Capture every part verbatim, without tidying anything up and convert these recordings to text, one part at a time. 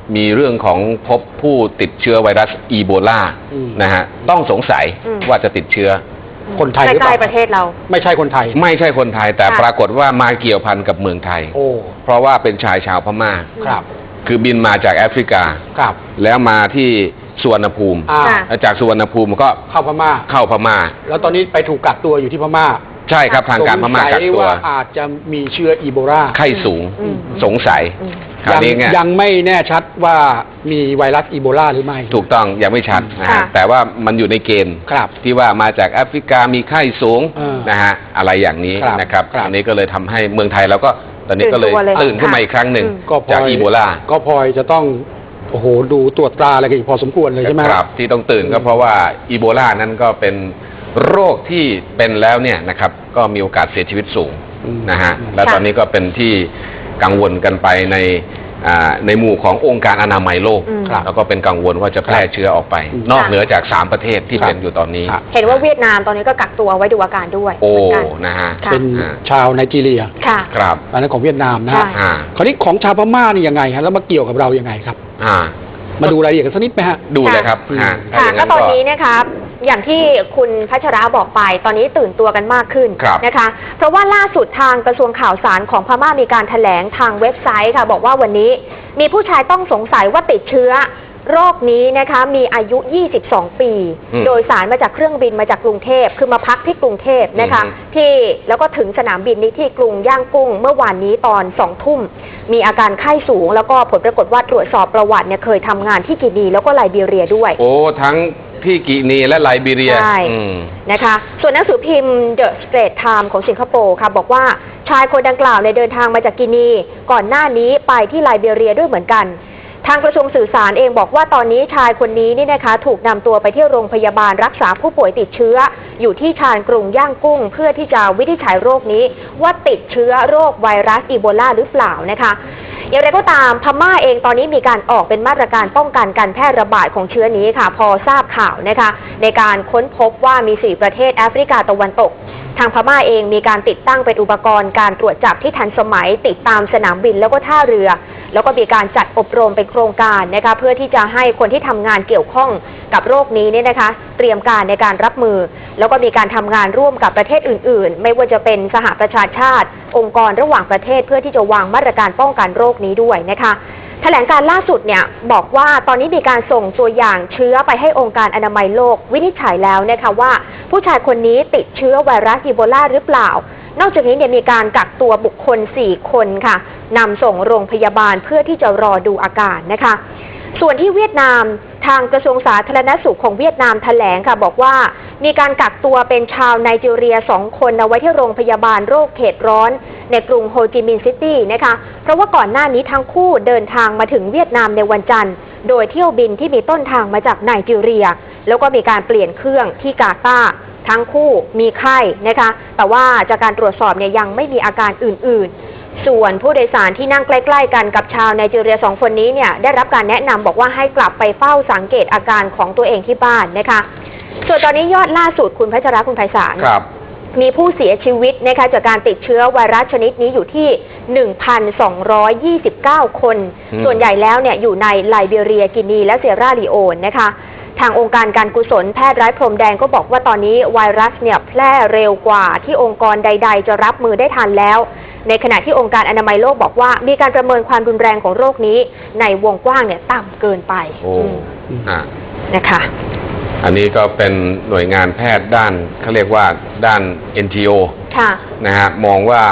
มีเรื่องของพบผู้ติดเชื้อไวรัสอีโบลานะฮะต้องสงสัยว่าจะติดเชื้อคนไทยหรือเปล่าใกล้ๆประเทศเราไม่ใช่คนไทยไม่ใช่คนไทยแต่ปรากฏว่ามาเกี่ยวพันกับเมืองไทยโอ้เพราะว่าเป็นชายชาวพม่าครับคือบินมาจากแอฟริกาครับแล้วมาที่สุวรรณภูมิจากสุวรรณภูมิก็เข้าพม่าเข้าพม่าแล้วตอนนี้ไปถูกกักตัวอยู่ที่พม่าใช่ครับทางการพม่ากักตัวอาจจะมีเชื้ออีโบลาไข้สูงสงสัยยังยังไม่แน่ชัดว่ามีไวรัสอีโบลาหรือไม่ถูกต้องยังไม่ชัดนะฮะแต่ว่ามันอยู่ในเกณฑ์ที่ว่ามาจากแอฟริกามีไข้สูงนะฮะอะไรอย่างนี้นะครับอันนี้ก็เลยทำให้เมืองไทยเราก็ตอนนี้ก็เลยตื่นขึ้นมาอีกครั้งหนึ่งจากอีโบลาก็พลอยจะต้องโอ้โหดูตรวจตราอะไรกันอีกพอสมควรเลยใช่ไหมครับที่ต้องตื่นก็เพราะว่าอีโบลานั้นก็เป็นโรคที่เป็นแล้วเนี่ยนะครับก็มีโอกาสเสียชีวิตสูงนะฮะและตอนนี้ก็เป็นที่กังวลกันไปในในหมู่ขององค์การอนามัยโลกแล้วก็เป็นกังวลว่าจะแพร่เชื้อออกไปนอกเหนือจากสามประเทศที่เป็นอยู่ตอนนี้เห็นว่าเวียดนามตอนนี้ก็กักตัวไว้ดูอาการด้วยโอ้นะฮะเป็นชาวไนจีเรียค่ะครับอันนั้นของเวียดนามนะฮะคราวนี้ของชาวพม่านี่ยังไงฮะแล้วมาเกี่ยวกับเรายังไงครับมาดูรายละเอียดกันสักนิดไหมฮะดูเลยครับค่ะก็ตอนนี้นะครับอย่างที่คุณพัชระบอกไปตอนนี้ตื่นตัวกันมากขึ้นนะคะเพราะว่าล่าสุดทางกระทรวงข่าวสารของพม่ามีการแถลงทางเว็บไซต์ค่ะบอกว่าวันนี้มีผู้ชายต้องสงสัยว่าติดเชื้อโรคนี้นะคะมีอายุยี่สิบสองปีโดยสารมาจากเครื่องบินมาจากกรุงเทพคือมาพักที่กรุงเทพนะคะที่แล้วก็ถึงสนามบินนี้ที่กรุงย่างกุ้งเมื่อวานนี้ตอนสองทุ่มมีอาการไข้สูงแล้วก็ผลปรากฏว่าตรวจสอบประวัติเนี่ยเคยทำงานที่กินีแล้วก็ไลบีเรียด้วยโอ้ทั้งที่กินีและไลบีเรียใช่นะคะส่วนหนังสือพิมพ์ The Straits Times ของสิงคโปร์ค่ะบอกว่าชายคนดังกล่าวในเดินทางมาจากกินีก่อนหน้านี้ไปที่ไลบีเรียด้วยเหมือนกันทางกระทรวงสื่อสารเองบอกว่าตอนนี้ชายคนนี้นี่นะคะถูกนำตัวไปที่โรงพยาบาลรักษาผู้ป่วยติดเชื้ออยู่ที่ชานกรุงย่างกุ้งเพื่อที่จะวินิจฉัยโรคนี้ว่าติดเชื้อโรคไวรัสอีโบลาหรือเปล่านะคะอย่างไรก็ตามพม่าเองตอนนี้มีการออกเป็นมาตรการป้องกันการแพร่ระบาดของเชื้อนี้ค่ะพอทราบข่าวนะคะในการค้นพบว่ามีสี่ประเทศแอฟริกาตะวันตกทางพม่าเองมีการติดตั้งเป็นอุปกรณ์การตรวจจับที่ทันสมัยติดตามสนามบินแล้วก็ท่าเรือแล้วก็มีการจัดอบรมเป็นโครงการนะคะเพื่อที่จะให้คนที่ทำงานเกี่ยวข้องกับโรคนี้เนี่ยนะคะเตรียมการในการรับมือแล้วก็มีการทำงานร่วมกับประเทศอื่นๆไม่ว่าจะเป็นสหประชาชาติองค์กรระหว่างประเทศเพื่อที่จะวางมาตรการป้องกันโรคนี้ด้วยนะคะแถลงการล่าสุดเนี่ยบอกว่าตอนนี้มีการส่งตัวอย่างเชื้อไปให้องค์การอนามัยโลกวินิจฉัยแล้วนะคะว่าผู้ชายคนนี้ติดเชื้อไวรัสอีโบลาหรือเปล่านอกจากนี้เนี่ยมีการกักตัวบุคคลสี่คนค่ะนำส่งโรงพยาบาลเพื่อที่จะรอดูอาการนะคะส่วนที่เวียดนามทางกระทรวงสาธารณสุขของเวียดนามแถลงค่ะบอกว่ามีการกักตัวเป็นชาวไนจีเรียสองคนเอาไว้ที่โรงพยาบาลโรคเขตร้อนในกรุงโฮจิมินห์ซิตี้นะคะเพราะว่าก่อนหน้านี้ทั้งคู่เดินทางมาถึงเวียดนามในวันจันทร์โดยเที่ยวบินที่มีต้นทางมาจากไนจีเรียแล้วก็มีการเปลี่ยนเครื่องที่กาตาร์ทั้งคู่มีไข้นะคะแต่ว่าจากการตรวจสอบเนี่ยยังไม่มีอาการอื่นๆส่วนผู้โดยสารที่นั่งใกล้ๆกันกับชาวไนจีเรียสองคนนี้เนี่ยได้รับการแนะนำบอกว่าให้กลับไปเฝ้าสังเกตอาการของตัวเองที่บ้านนะคะส่วนตอนนี้ยอดล่าสุดคุณพัชระคุณไพศาลมีผู้เสียชีวิตนะคะจากการติดเชื้อไวรัสชนิดนี้อยู่ที่ หนึ่งพันสองร้อยยี่สิบเก้า คนส่วนใหญ่แล้วเนี่ยอยู่ในไลบีเรียกินีและเซราลีโอนนะคะทางองค์การการกุศลแพทย์ไร้พรมแดงก็บอกว่าตอนนี้ไวรัสเนี่ยแพร่เร็วกว่าที่องค์กรใดๆจะรับมือได้ทันแล้วในขณะที่องค์การอนามัยโลกบอกว่ามีการประเมินความรุนแรงของโรคนี้ในวงกว้างเนี่ยต่ำเกินไปนะคะอันนี้ก็เป็นหน่วยงานแพทย์ด้านเขาเรียกว่าด้าน เอ็น จี โอค่ะนะฮะมองว่า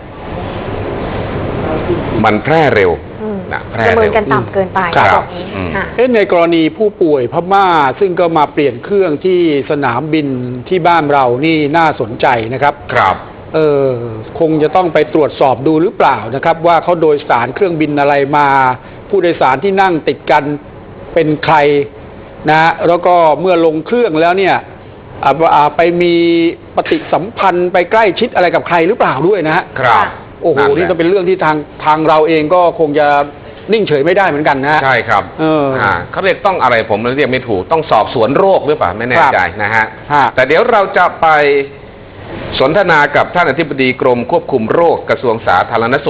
มันแพร่เร็วประเมินกันต่ำเกินไปครับในกรณีผู้ป่วยพม่าซึ่งก็มาเปลี่ยนเครื่องที่สนามบินที่บ้านเรานี่น่าสนใจนะครับครับเออคงจะต้องไปตรวจสอบดูหรือเปล่านะครับว่าเขาโดยสารเครื่องบินอะไรมาผู้โดยสารที่นั่งติดกันเป็นใครนะแล้วก็เมื่อลงเครื่องแล้วเนี่ยไปมีปฏิสัมพันธ์ไปใกล้ชิดอะไรกับใครหรือเปล่าด้วยนะฮะครับโอ้โหนี่ก็เป็นเรื่องที่ทางทางเราเองก็คงจะนิ่งเฉยไม่ได้เหมือนกันนะใช่ครับเออเขาเรียกต้องอะไรผมเรียกไม่ถูกต้องสอบสวนโรคหรือเปล่าไม่แน่ใจนะฮะแต่เดี๋ยวเราจะไปสนทนากับท่านอธิบดีกรมควบคุมโรคกระทรวงสาธารณสุข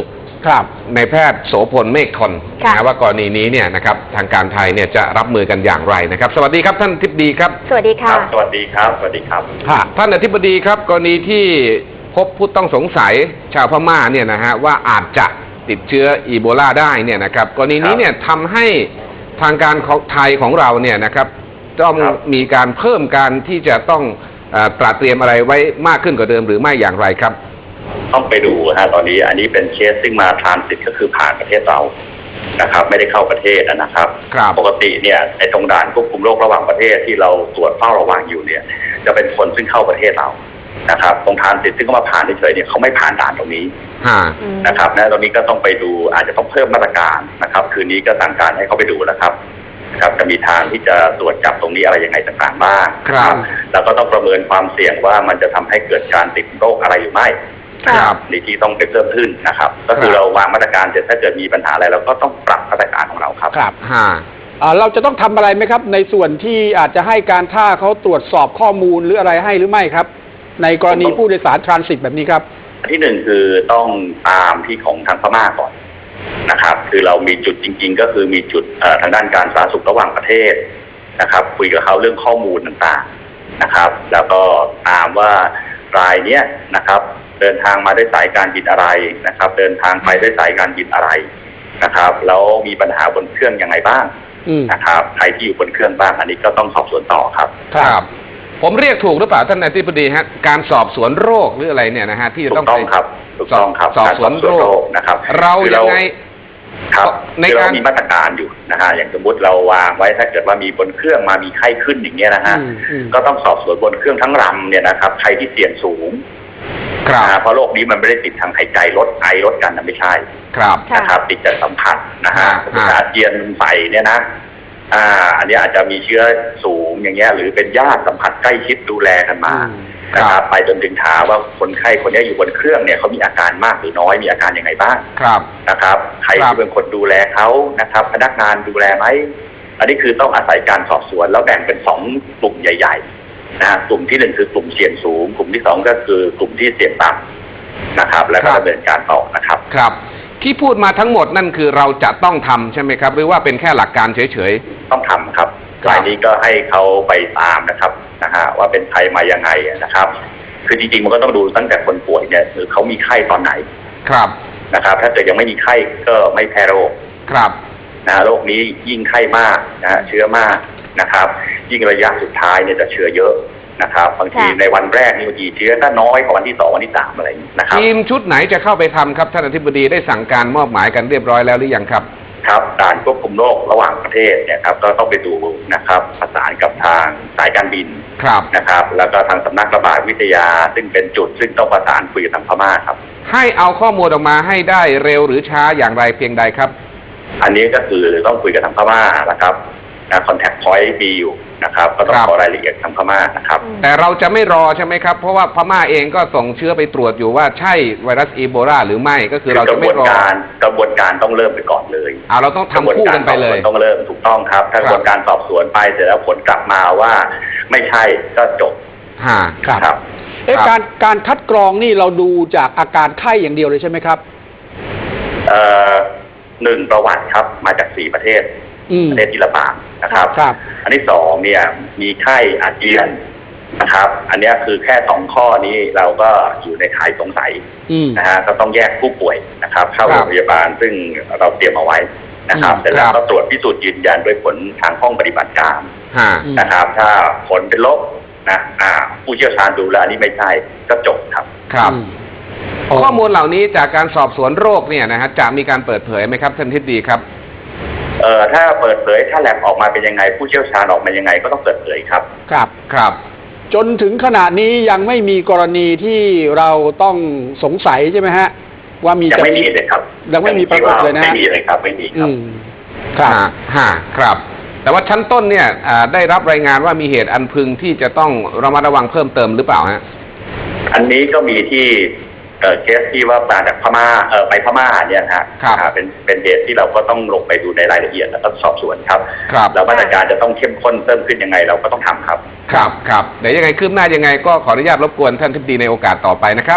ครับในแพทย์โสพลเมฆทนค่ะนะว่ากรณีนี้เนี่ยนะครับทางการไทยเนี่ยจะรับมือกันอย่างไรนะครับสวัสดีครับท่านอธิบดีครับสวัสดีคค่ะรับสวัสดีครับ สวัสดีครับค่ะท่านอธิบดีครับกรณีที่พบผู้ต้องสงสัยชาวพม่าเนี่ยนะฮะว่าอาจจะติดเชื้ออีโบลาได้เนี่ยนะครับกรณีนี้เนี่ยทำให้ทางการของไทยของเราเนี่ยนะครับต้องครับมีการเพิ่มการที่จะต้องเอ่อตระเตรียมอะไรไว้มากขึ้นกว่าเดิมหรือไม่อย่างไรครับต้องไปดูฮะตอนนี้อันนี้เป็นเคสซึ่งมาทรานสิตก็คือผ่านประเทศเรานะครับ ไม่ได้เข้าประเทศนะครับครับปกติเนี่ยในตรงด่านควบคุมโรคระหว่างประเทศที่เราตรวจเฝ้าระวังอยู่เนี่ย จะเป็นคนซึ่งเข้าประเทศเรานะครับตรงทรานสิตซึ่งเขามาผ่านเฉยๆเนี่ยเขาไม่ผ่านด่านตรงนี้ฮะอืมนะครับนะตรงนี้ก็ต้องไปดูอาจจะต้องเพิ่มมาตรการนะครับ คืนนี้ก็สั่งการให้เขาไปดูแล้วครับนะครับจะมีทางที่จะตรวจจับตรงนี้อะไรยังไงต่างๆบ้างครับแล้วก็ต้องประเมินความเสี่ยงว่ามันจะทำให้เกิดการติดโรคอะไรหรือไม่ครับนี่ที่ต้องไปเพิ่มขึ้นนะครับ ก็คือเราวางมาตรการเสร็จถ้าเกิดมีปัญหาอะไรเราก็ต้องปรับมาตรการของเราครับครับฮะอ่าเราจะต้องทำอะไรไหมครับ ในส่วนที่อาจจะให้การท่าเขาตรวจสอบข้อมูลหรืออะไรให้หรือไม่ครับ ในกรณีผู้โดยสารทรานสิตแบบนี้ครับอันที่หนึ่งคือต้องตามที่ของทางพม่าก่อนนะครับ คือเรามีจุดจริง ๆ ก็คือมีจุดเอ่อทางด้านการสาธารณสุขระหว่างประเทศนะครับ คุยกับเขาเรื่องข้อมูลต่างๆนะครับ แล้วก็ตามว่ารายเนี้ยนะครับ เดินทางมาด้วยสายการบินอะไรนะครับ เดินทางไปด้วยสายการบินอะไรนะครับแล้วมีปัญหาบนเครื่องยังไงบ้างอืมนะครับใครที่อยู่บนเครื่องบ้างอันนี้ก็ต้องสอบสวนต่อครับครับ ผมเรียกถูกหรือเปล่าท่านอธิบดีฮะการสอบสวนโรคหรืออะไรเนี่ยนะฮะที่จะถูต้องกต้องไปครับถูกต้องครับสอบสวนการโรคนะครับเราคือยังไงครับในคือการเรามีมาตรการอยู่นะฮะอย่างสมมติเราวางไว้ถ้าเกิดว่ามีบนเครื่องมามีไข้ขึ้นอย่างเงี้ยนะฮะอืมอืมก็ต้องสอบสวนบนเครื่องทั้งลำเนี่ยนะครับใครที่เสี่ยงสูงครับนะฮะเพราะโรคนี้มันไม่ได้ติดทางหายใจลดไอลดกันนะไม่ใช่ครับค่ะนะครับติดจากสัมผัสนะฮะอ่าสมมติอาเจียนใส่เนี่ยนะอ่าอันนี้อาจจะมีเชื้อสูงอย่างเงี้ยหรือเป็นญาติสัมผัสใกล้ชิดดูแลกันมาอืมนะครับไปจนถึงถามว่าคนไข้คนนี้อยู่บนเครื่องเนี่ยเขามีอาการมากหรือน้อยมีอาการยังไงบ้างครับนะครับใครครับที่เป็นคนดูแลเขานะครับ พนักงานดูแลไหมอันนี้คือต้องอาศัยการสอบสวนแล้วแบ่งเป็นสองกลุ่มใหญ่ๆนะฮะกลุ่มที่หนึ่งคือกลุ่มเสี่ยงสูง กลุ่มที่สองก็คือกลุ่มที่เสี่ยงต่ำนะครับ แล้วก็ดำเนินการต่อนะครับครับ ที่พูดมาทั้งหมดนั่นคือเราจะต้องทำใช่ไหมครับ หรือว่าเป็นแค่หลักการเฉยต้องทำครับครับรายนี้ก็ให้เขาไปตามนะครับนะฮะว่าเป็นใครมายังไงนะครับ คือจริงๆมันก็ต้องดูตั้งแต่คนป่วยเนี่ยหรือเขามีไข้ตอนไหนๆ ครับนะครับ ถ้าเกิดยังไม่มีไข้ก็ไม่แพร่โรคครับนะฮะโรคนี้ยิ่งไข้มากนะฮะเชื้อมากนะครับ ยิ่งระยะสุดท้ายเนี่ยจะเชื้อเยอะนะครับบางทีค่ะในวันแรกนี่บางทีเชื้อก็น้อยกว่าวันที่สองวันที่สามอะไรอย่างนี้นะครับทีมชุดไหนจะเข้าไปทำครับท่านอธิบดีได้สั่งการมอบหมายกันเรียบร้อยแล้วหรือยังครับครับด่านควบคุมโรคระหว่างประเทศเนี่ยครับก็ต้องไปดูนะครับประสานกับทางสายการบินครับนะครับ แล้วก็ทางสำนักระบาดวิทยา ซึ่งเป็นจุดซึ่งต้องประสานคุยกับทางพม่าครับให้เอาข้อมูลออกมาให้ได้เร็วหรือช้าอย่างไรเพียงใดครับอันนี้ก็คือต้องคุยกับทางพม่านะครับนะคอนแทคพอยต์มีอยู่นะครับ ก็ต้องครับขอรายละเอียดทางพม่านะครับอืมแต่เราจะไม่รอใช่ไหมครับ เพราะว่าพม่าเองก็ส่งเชื้อไปตรวจอยู่ว่าใช่ไวรัสอีโบลาหรือไม่ก็คือเรากจะระบไม่วนรอการกระบวนการต้องเริ่มไปก่อนเลยเอาเราต้องทำคู่กันไปเลยกระบวนการสอบสวนต้องเริ่มถูกต้องครับ ถ้ากระบวนการสอบสวนไปเสร็จแล้วผลกลับมาว่าไม่ใช่ก็จบฮะครับครับเอ๊ะครับการการคัดกรองนี่เราดูจากอาการไข้อย่างเดียวเลยใช่ไหมครับเอ่อหนึ่งประวัติครับมาจากสี่ประเทศอืมประเทศที่ระบาดนะครับครับอันที่สองเนี่ยมีไข้อาเจียนนะครับ อันเนี้ยคือแค่สองข้อนี้เราก็อยู่ในข่ายสงสัยอืมนะฮะก็ต้องแยกผู้ป่วยนะครับ เข้าครัโรบงพยาบาลซึ่งเราเตรียมเอาไว้นะครับอืมเสร็จแล้วครัก็บตรวจพิสูจน์ยืนยันด้วยผลทางห้องปฏิบัติการฮะอืมนะครับ ถ้าผลเป็นลบนะอ่า ผู้เชี่ยวชาญดูแล้วอันนี้ไม่ใช่ก็จบครับครับอืมข้อมูลเหล่านี้จากการสอบสวนโรคเนี่ยนะฮะจะมีการเปิดเผยไหมครับท่านทิศดีครับเอ่อถ้าเปิดเผยถ้าแลบออกมาเป็นยังไง ผู้เชี่ยวชาญออกมายังไงก็ต้องเปิดเผยครับครับครับจนถึงขณะนี้ยังไม่มีกรณีที่เราต้องสงสัยใช่ไหมฮะ ว่ามียังจะไม่มีเลยครับยังไม่มีปรากฏเลยนะไม่มีเลยครับไม่มีคอืรับมครับฮะฮะครับ แต่ว่าชั้นต้นเนี่ยอ่าได้รับรายงานว่ามีเหตุอันพึงที่จะต้องระมัดระวังเพิ่มเติมหรือเปล่าฮะอันนี้ก็มีที่เอ่อเคสที่ว่ามาจากพม่าเอ่อไปพม่าเนี่ยนะฮะครับอ่าเป็นเป็นเหตุที่เราก็ต้องลงไปดูในรายละเอียดแล้วก็สอบสวนครับครับแล้วมาตรการจะต้องเข้มข้นเพิ่มขึ้นยังไงเราก็ต้องทำครับครับครับเดี๋ยวยังไงคืบหน้ายังไงก็ขออนุญาตรบกวนท่านทิศดีในโอกาสต่อไปนะครับ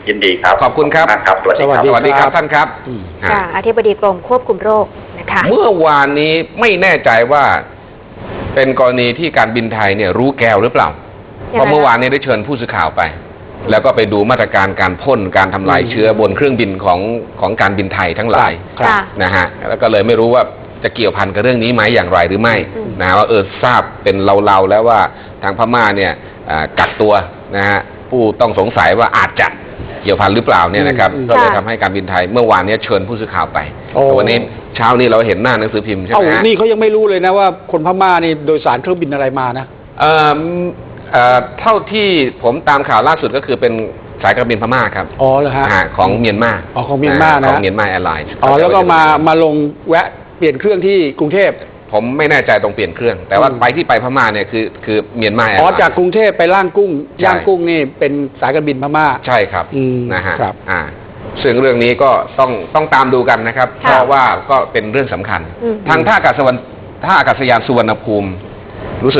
ยินดีครับขอบคุณครับมากครับสวัสดีครับสวัสดีครับท่านครับอืมฮะค่ะอธิบดีกรมควบคุมโรคนะคะเมื่อวานนี้ไม่แน่ใจว่าเป็นกรณีที่การบินไทยเนี่ยรู้แก้วหรือเปล่า เพราะเมื่อวานนี้ได้เชิญผู้สื่อข่าวไป แล้วก็ไปดูมาตรการการพ่นการทำลายอืมเชื้อบนเครื่องบินของของการบินไทยทั้งหลายครับค่ะนะฮะแล้วก็เลยไม่รู้ว่าจะเกี่ยวพันกับเรื่องนี้ไหมอย่างไรหรือไม่อืมนะว่าเออทราบเป็นเราๆแล้วว่าทางพม่าเนี่ยอ่ากักตัวนะฮะผู้ต้องสงสัยว่าอาจจะเกี่ยวพันหรือเปล่าเนี่ยนะครับอืมก็เลยค่ะทำให้การบินไทยเมื่อวานเนี้เชิญผู้สื่อข่าวไปโอ้แต่วันนี้เช้านี้เราเห็นหน้าหนังสือพิมพ์ใช่ไหเอ้ามฮะนี่เขายังไม่รู้เลยนะว่าคนพม่านี่โดยสารเครื่องบินอะไรมานะเอ่อเอ่อเท่าที่ผมตามข่าวล่าสุดก็คือเป็นสายการบินพม่าครับอ๋อเหรอฮะฮะของเมียนมาอ๋อของเมียนมานะของเมียนมาแอร์ไลน์อ๋อแล้วก็มามาลงแวะเปลี่ยนเครื่องที่กรุงเทพผมไม่แน่ใจตรงเปลี่ยนเครื่อง แต่ว่าอืมไปที่ไปพม่าเนี่ยคือคือเมียนมาแอร์อ๋อไลน์จากกรุงเทพไปล่างกุ้งใช่ย่างกุ้งนี่เป็นสายการบินพม่าใช่ครับอืมนะฮะครับอ่าซึ่งเรื่องนี้ก็ต้องต้องตามดูกันนะครับค่ะเพราะว่าก็เป็นเรื่องสำคัญอืมทางท่าอากาศสวรรค์ท่าอากาศยานสุวรรณภูมิ